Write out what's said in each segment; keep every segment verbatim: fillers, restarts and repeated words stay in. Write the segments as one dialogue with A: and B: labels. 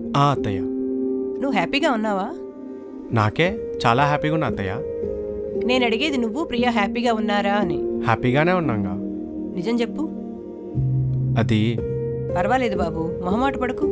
A: ఆ అత్తయ్య.
B: నువ్వు హ్యాపీగా ఉన్నావా?
A: నాకే చాలా హ్యాపీగా ఉన్నా అత్తయ్య.
B: నేను అడిగేది నువ్వు ప్రియా హ్యాపీగా ఉన్నారా అని.
A: హ్యాపీగానే ఉన్నాగా.
B: నిజం చెప్పు.
A: అది
B: పర్వాలేదు బాబు, మొహమాట పడకు.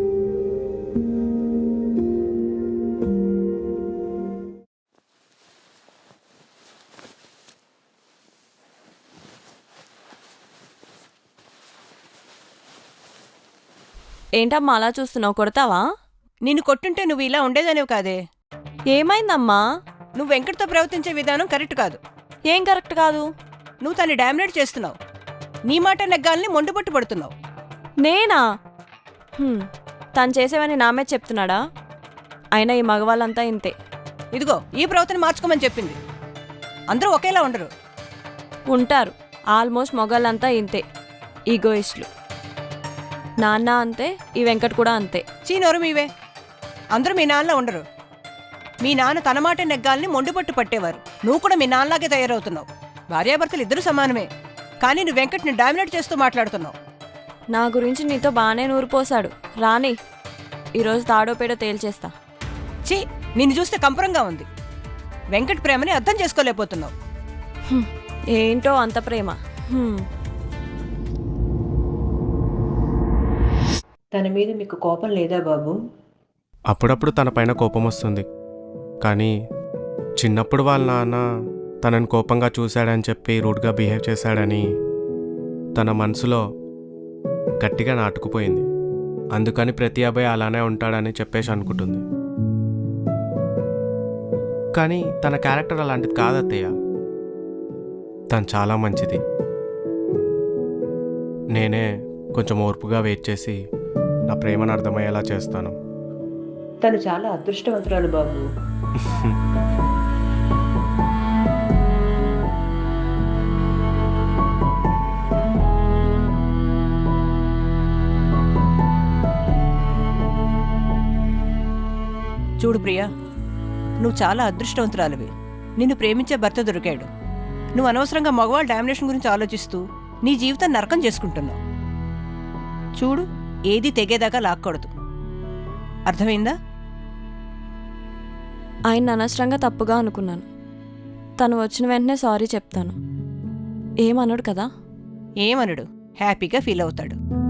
C: ఏంటమ్మా అలా చూస్తున్నావు? కొడతావా?
B: నిన్ను కొట్టుంటే నువ్వు ఇలా ఉండేదానివి కాదే.
C: ఏమైందమ్మా?
B: నువ్వు వెంకట్తో ప్రవర్తించే విధానం కరెక్ట్ కాదు.
C: ఏం కరెక్ట్ కాదు?
B: నువ్వు తన్ని డామినేట్ చేస్తున్నావు. నీ మాట నెగ్గాలని మొండుపట్టు పడుతున్నావు.
C: నేనా? హ్మ్, తను చేసేవని నామే చెప్తున్నాడా? అయినా ఈ మగవాళ్ళంతా ఇంతే.
B: ఇదిగో ఈ ప్రవర్తన మార్చుకోమని చెప్పింది. అందరూ ఒకేలా ఉండరు.
C: ఉంటారు. ఆల్మోస్ట్ మగవాళ్ళంతా ఇంతే, ఈగోయిస్టులు. నాన్న అంతే, ఈ వెంకట్ కూడా అంతే.
B: చీనోరు మీవే. అందరూ మీ నాన్నలా ఉండరు. మీ నాన్న తన మాట నెగ్గాలని మొండుపట్టు పట్టేవారు. నువ్వు కూడా మీ నాన్నలాగే తయారవుతున్నావు. భార్యాభర్తలు ఇద్దరు సమానమే, కానీ నువ్వు వెంకట్ని డామినేట్ చేస్తూ మాట్లాడుతున్నావు.
C: నా గురించి నీతో బాగానే నూరిపోశాడు. రాని ఈరోజు తాడోపేడో తేల్చేస్తా.
B: చీ, నిన్ను చూస్తే కంపరంగా ఉంది. వెంకట్ ప్రేమని అర్థం చేసుకోలేకపోతున్నావు.
C: హ్మ్, ఏంటో అంత ప్రేమ. హ్మ్.
B: తన మీద మీకు కోపం లేదా బాబు?
A: అప్పుడప్పుడు తన పైన కోపం వస్తుంది, కానీ చిన్నప్పుడు వాళ్ళ నాన్న తనని కోపంగా చూశాడని చెప్పి రూడ్గా బిహేవ్ చేశాడని తన మనసులో గట్టిగా నాటుకుపోయింది. అందుకని ప్రతి అబ్బాయి అలానే ఉంటాడని చెప్పేసి అనుకుంటుంది. కానీ తన క్యారెక్టర్ అలాంటిది కాదు అత్తయ్య. తను చాలా మంచిది. నేనే కొంచెం ఓర్పుగా వెయిట్ చేసి నా ప్రేమను అర్థమయ్యేలా చేస్తాను.
B: తను చాలా అదృష్టవంతురాలు బాబు. చూడు ప్రియా, నువ్వు చాలా అదృష్టవంతురాలివి. నిన్ను ప్రేమించే భర్త దొరికాడు. నువ్వు అనవసరంగా మగవాళ్ళ డామినేషన్ గురించి ఆలోచిస్తూ నీ జీవితం నరకం చేసుకుంటున్నావు. చూడు, ఏది తెగేదాకా లాక్కూడదు. అర్థమైందా?
C: ఆయన అనవసరంగా తప్పుగా అనుకున్నాను. తను వచ్చిన వెంటనే సారీ చెప్తాను. ఏమనడు కదా?
B: ఏమనడు, హ్యాపీగా ఫీల్ అవుతాడు.